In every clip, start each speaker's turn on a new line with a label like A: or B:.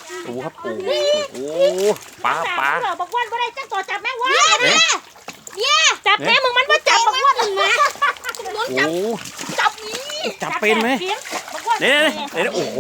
A: โอ้ครับโอ้ปลา
B: บอกว่าบ่ได้จังตัวจับแม่ว่าเนี่ยจับแม่มึงมันบ่จับบอกว่ามึงนะ
A: โอ้
B: จับนี่
A: จับเป็นไหมเนี่ยโอ้โห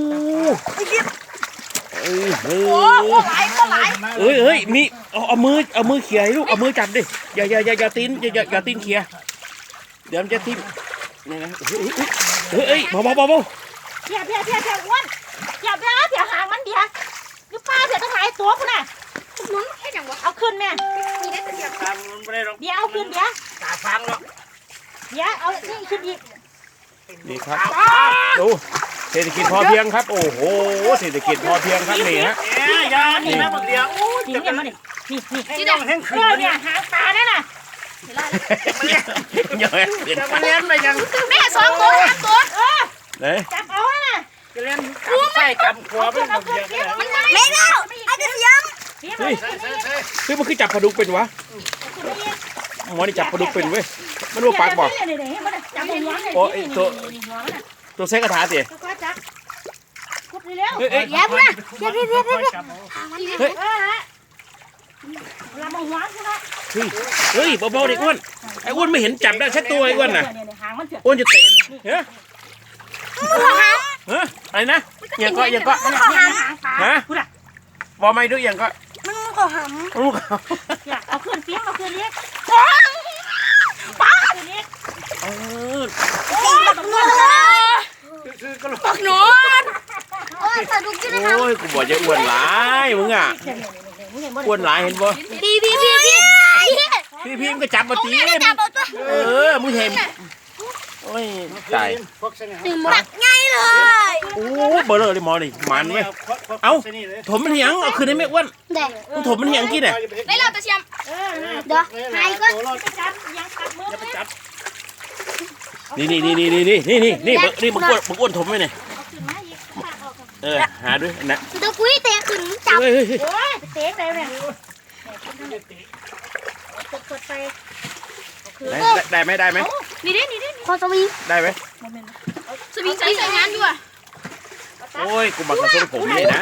A: เอ้ยมีเอามือเขี่ยลูกเอามือจับดิอย่าตีนเขี่ยเดี๋ยวมันจะทิ่มนี่นะเฮ้ยเบา
B: เพียอ้วนเพียหางมันเดียนี่ป้าเพียต้องหายตัวคุณน่ะนุ้นแค่อย่างวะเอาขึ้นแม่มีได้เสียบเดี๋ยวเอาขึ้นเดี๋ยว
C: ตาฟังหรอก
B: เดี๋ยวเอานี่ขึ้นอีก
A: นี่ครับดูเศรษฐกิจพอเพียงครับโอ้โหเศรษฐกิจพอเพียงครับนี่ฮะ
C: ยานี่นะบักเดียว
B: จริงเนี่ยมาดินี่
C: ที่ต้องแห้งขึ้น
B: เนี่ยหางตานั่นน่ะ
A: เยอะ
C: จะมาเลี้ยงไปยัง
B: แม่2 ตัว3 ตัวจับเอาน่ะ
C: จะเลี้ยงใส่กำขัวเป็นบักเดียว
B: มันไม่แล้วไอ้เสียม
A: เฮ้ยมันคือจับปลาดุกเป็นวะหมอนี่จับปลาดุกเป็นเว้ยมันรู้ปากบอกโอ้ไอตัวเซ็กกระถาสิ
B: เฮ้ยแย่พุ่งนะเฮ้ยลำมองหัวใช่ไหม
A: เฮ้ยเบาๆดิอ้วนไอ้อ้วนไม่เห็นจับได้แค่ตัวไอ้อ้วนน่ะอ้วนจะเตะเฮ้ยอะไรนะยังก็ฮะบอกไม่ด้วยยังก็
B: มันก็หำ
A: ลูก
B: เอาขึ้นเสียงเอาขึ้นเลี้ยง
A: ป้า
B: ปักหนอนโอ้
A: ยกูบอกจะอ้วนหลายมึงอ่ะอ้วนหลายเห็นบ่พี่มันก็จับมาตีมึงเห็นโอ้ยตาย
B: หมักง่ายเลย
A: โอ้เบลอเลยมอนี่มันเว้ยเอาถมมันเหียงเอาคืนได้ไหมอ้วนมึงถมมันเหียงกินเนี่ย
B: ได้แล้วตะเชียมเดี๋ยวหายก็จับยังจับมือ
A: นี่มึงอ้วนถมไหมเนี่ยหาด้วยนะ
B: ตะกุ้ยเตะขึ้นจับโอ้ยเตะไปเนี่ยกดไป
A: ได้ไหม
B: นี่ดิพอสวิง
A: ได้ไหม
B: สวิงใส่งานด้วย
A: โอ้ยกูบังคับผมเลยนะ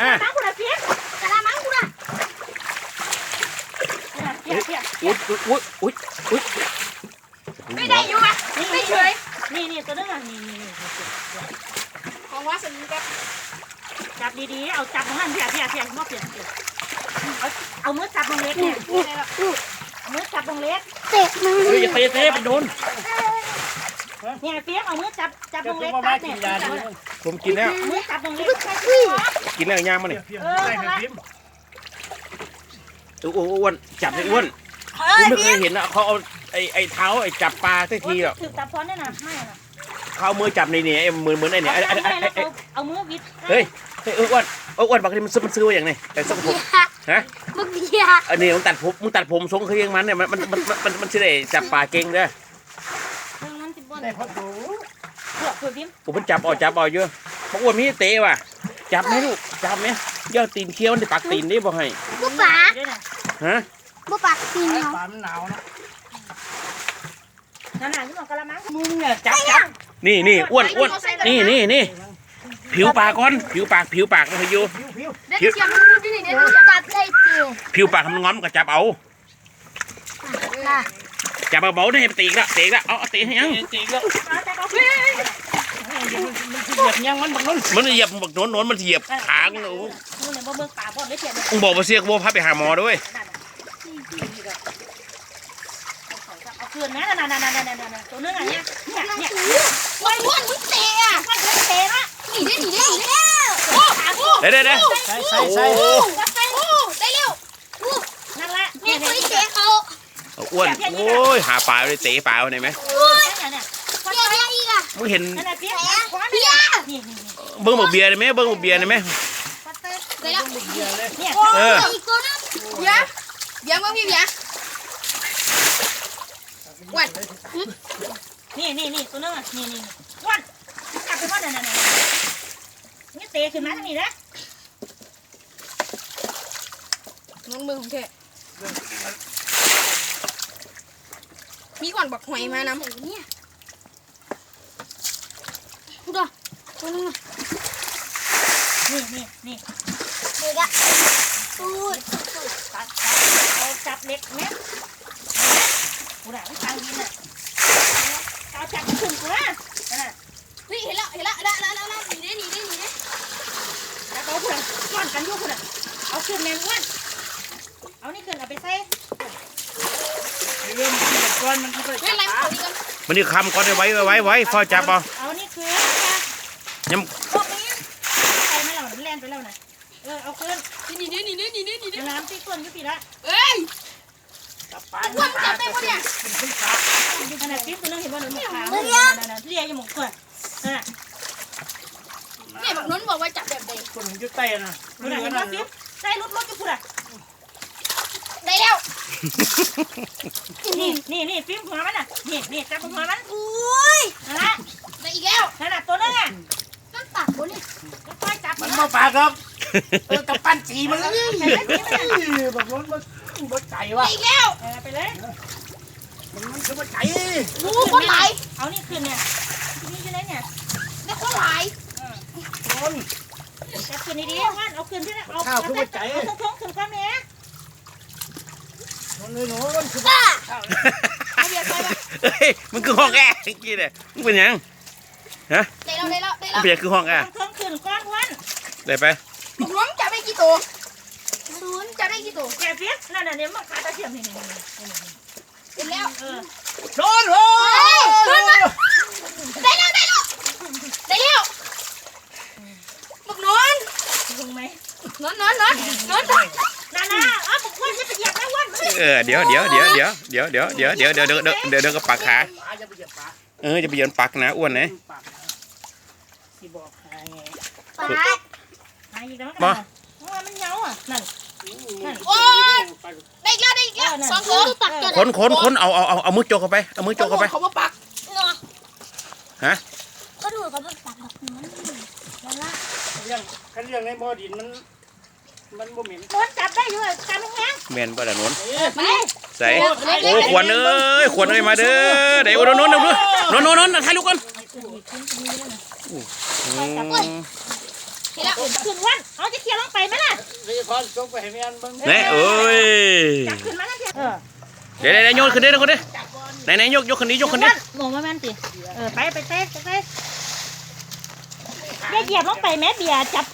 A: อุ้ย
B: ไม่ได้อยู่อ่ะไม่เฉยนี่ตัวนึงอ่ะนี่ของว่าสวิงจับดีๆเอาจับมันเพียมอบเพียเอามือจับตรงเล็กเนี่ยเอามือจับตรงเล็ก
A: เตะอย่าเตะไปโดน
B: เนี่ยเปี๊ยกเอามือจับตรงเล็กตัดเนี่ย
A: ผมกินแล้ว
B: มือจับตรงเล็ก
A: กินแล้วย่างมาเนี่ยอ้วนจับเลยอ้วนผมไม่เคยเห็นนะเขาเอาไอ้เท้าไอ้จับปลาสักทีหรอก
B: ถือจับพร้อมได้นะไม่นะ
A: เขามือจับในเนี่ยเหมือนไอ้เนี่ย
B: เอามือวิด
A: เฮ้ยอ้วนบางทีมันซื้ออย่างไงแต่ทรงผมฮะ
B: มึงเบีย
A: อันนี้มึงตัดผมทรงคือยังมันเนี่ยมันชื่ออะไรจับปลาเก่งเด้อ
C: ได้พอดู
A: ผมมันจับเอาเยอะบางอ้วนมีเตะว่ะจับไหมลูกจับไหมย่อตีนเคี้ยวในปากตีนนี่บอกให้
B: บุปผา
A: ฮะ
B: บุปผาตีน
C: ปลามันหนาวนะ
B: หนาวที่บอกกระมัง
C: มึงเนี่ยจับ
A: นี่อ้วนนี่ผิวปากก่อนผิวปากนะพยูผิวปากทำง้อมก็จับเอาจับเบาๆได้ให้ตีละเอาตีให้ยัง
C: ตีแล้วมันเหยียบยังมันบักน้น
A: มันเหยียบบักโน้นมันเหยียบขางหนูมึงบอกว่าเสียกบัวพาไปหาหมอด้วย
B: เอาคืนนะนั่นตัวนึงอ่ะเนี่ยอ้วนมึงเตะอ่ะเตะละหนีได้
A: ได้
C: ใส่
B: ได้เร็วนั่นแหละเนี่ยคุยเตะเขา
A: อ้วนโอ้ยหาปลาเลยเตะปลาได้ไหมมึงเห็นเบิ้งบอกเบียร์ได้ไหมเบิ้งบอกเบียร์ได้ไหม
B: เดี๋ยวมึงพี่เบียร์วันนี่ตัวนึงอ่ะนี่วันกลับไปว่านั่นนี่เตะขึ้นมาทางนี้นะน้องมือของแกมีก่อนบักหอยมาน้ำเนี่ยพูดอ่ะตัวนึงอ่ะนี่ละตูดตัดเอาจับเล็กแม่กูด่าไม่ฟังดีน่ะเอาจับขึ้นกูนะเฮ้ยเห็นแล้วหนีได้แล้วเอาคุณก้อนกันยุ่งคุณเอาขึ้นแมงวันเอานี่ขึ้นเอาไปใส่
C: เรื่องที่เป็นก้อนมันก็ไปจับปลา
A: มันนี่คำก่อนไว้ฟ้าจับเอา
B: เอานี่ขึ้น
A: ยัง
B: พวกนี้ใส่มาแล้วมันแล่นไปแล้วนะเอาขึ้นน้ำที่ก้นยุติละ
C: จับปลาเป็นขึ้นปลา
B: ขนาดที่คุณนึกเห็นว่าหนูหมกขาวเรียยังหมกเกิด
D: เนี่ยบอกน้นบอกว่าจับแบบใด
C: คนยุดเต้นะ
B: คุณเห็นว่าฟิปใส่รถจะพูดอ่ะ
D: ได้แล้ว
B: นี่ฟิปหัวมันอ่ะนี่จับหัวมัน
D: อุ้ย
B: นั่นแหละ
D: ได้อีกแล้ว
B: นั่นแหละตัวนึงอ่ะ
D: ต้นปากบนนี่
B: ก็ค่อยจับ
C: มันมาปลาครับกับปั้นสีมันเลย
B: ใส่เล็กนิดนึง
C: บอกมันไก่วะ
D: ได้อีกแล้ว
B: ไปเลย
C: มันคือมันไก่
D: รู้คนหลาย
B: เอานี่ขึ้นเนี่ยนี่อยู่ไหนเนี่ย
D: ได้คนหลาย
C: คน
B: จับขึ้นดีๆว่านเอาขึ้นที่นั่นเอาทงขึ้นก้อนเนี้ย
C: คนเลยหนูมันคือ
D: บ้า
A: เฮ้ยมันคือห้องแอร์เมื่อกี้เนี่ยมันเป็นยังฮะ
D: ได้แล้ว
A: มันเป็นยังคือห้องแอร์
B: ทงขึ้นก้อนวัน
A: ได้ไป
D: บอกน้นจับได้กี่ตัวศูนย์จับได้กี่ตัว
B: แกฟิปนั่นน่ะเนี่ยมันขาตะเทียมนี่
D: เสร็จแล้ว
C: โดนโอ้
D: ขึ้นมาได้แล้วบอกน้น
B: ลงไหม
D: น้น
B: น่าเอาบุกวันจะไปเหยียบแม่วัน
A: เดี๋ยวกับปากขา
C: ปลาจะไปจับปลา
A: จะไปเหยียบปากนะอ้วนนะ
C: ที่บอกให้
D: ปาด
B: หายอีกแล้วกันมันเงาอ่ะนั่น
D: โอ้ยได้อีกแล้วสองตัวปักตัว
A: คนเอามือโจกเข้าไปเอามือโจกเข้าไป
D: เขามาปักเนาะ
A: ฮะ
D: ก็ดูเขามาปักแบบนั้นแล้วละ
C: เรื่องในบ่อดินมันบ่เหม็น
B: ม้วนจับได้อยู่จับแห้ง
A: แมนบ่ล่ะนน
B: ไป
A: ใส่โอ้ขวัญเอ้ยมาเด้อเดี๋ยวนนถ่ายรูปกัน
D: เห็นแล้ว
B: ขึ้นวันเอาจะเคี่ยวลงไปไหมล่ะ
C: เรียกพอส่งไปให้แม่นเบิ่ง
A: แน่เอ้ย
B: จับขึ้นมาแล้วเทีย
A: เดี๋ยวโยนขึ้นดิคนดิไหนยกคนนี้
B: งงมาแม่นติไปเต้เบียเหยียบลงไปแม่เบียจับ